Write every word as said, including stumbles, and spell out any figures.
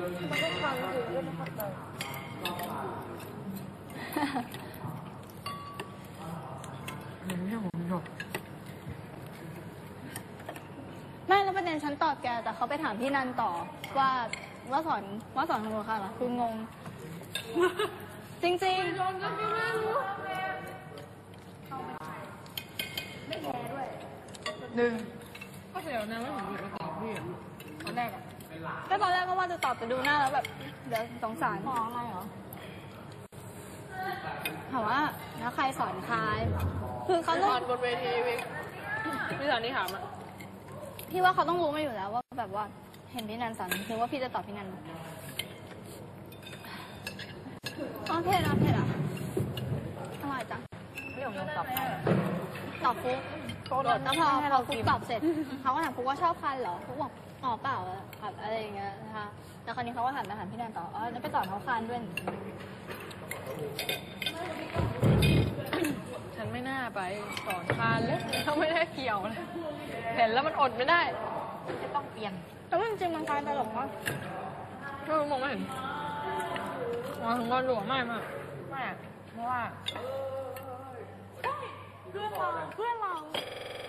มันก็ฟังอยู่ก็ไม่เข้าใจไม่ใช่ผมหยดไม่แล้วประเด็นฉันตอบแกแต่เขาไปถามพี่นันต่อว่าว่าสอนว่าสอนทำโมคะเหรอคืองงจริงๆโดนก็ไม่รู้ไม่แพ้ด้วยหนึ่งก็เสียวนะว่าผมอยู่มาตอบพี่ตอนแรกอะก็ตอนแรกก็ว่าจะตอบไปดูหน้าแล้วแบบเดี๋ยวสงสารมออะไรเหรอถามว่าแล้วใครสอนใครคือเขาต้องบนเวทีวิพี่สอนนี่ถามอ่ะพี่ว่าเขาต้องรู้มาอยู่แล้วว่าแบบว่าเห็นพี่นันสอนคือว่าพี่จะตอบพี่นันอ๋อเพจอ่ะเพจอ่ะอร่อยจังพี่ของน้องตอบตอบฟุกแล้วพอพอฟุกตอบเสร็จเขาก็ถามฟุกว่าชอบคันเหรอฟุกบอกอ๋อเปล่าครับอะไรอย่างเงี้ยนะคะแล้วคราวนี้เขาก็ถามมาถามพี่นันต่ออ๋อแล้วไปสอนเขาคันด้วยฉันไม่น่าไปสอนคานเลยเขาไม่ได้เกี่ยวเลยเห็นแล้วมันอดไม่ได้จะต้องเปลี่ยนแต่ว่าจริงๆมันกลายตลกว่าไม่รู้มองไม่เห็นมองถึงวันหลวงไม่มากไม่เพราะว่าเพื่อนเราเพื่อนเรา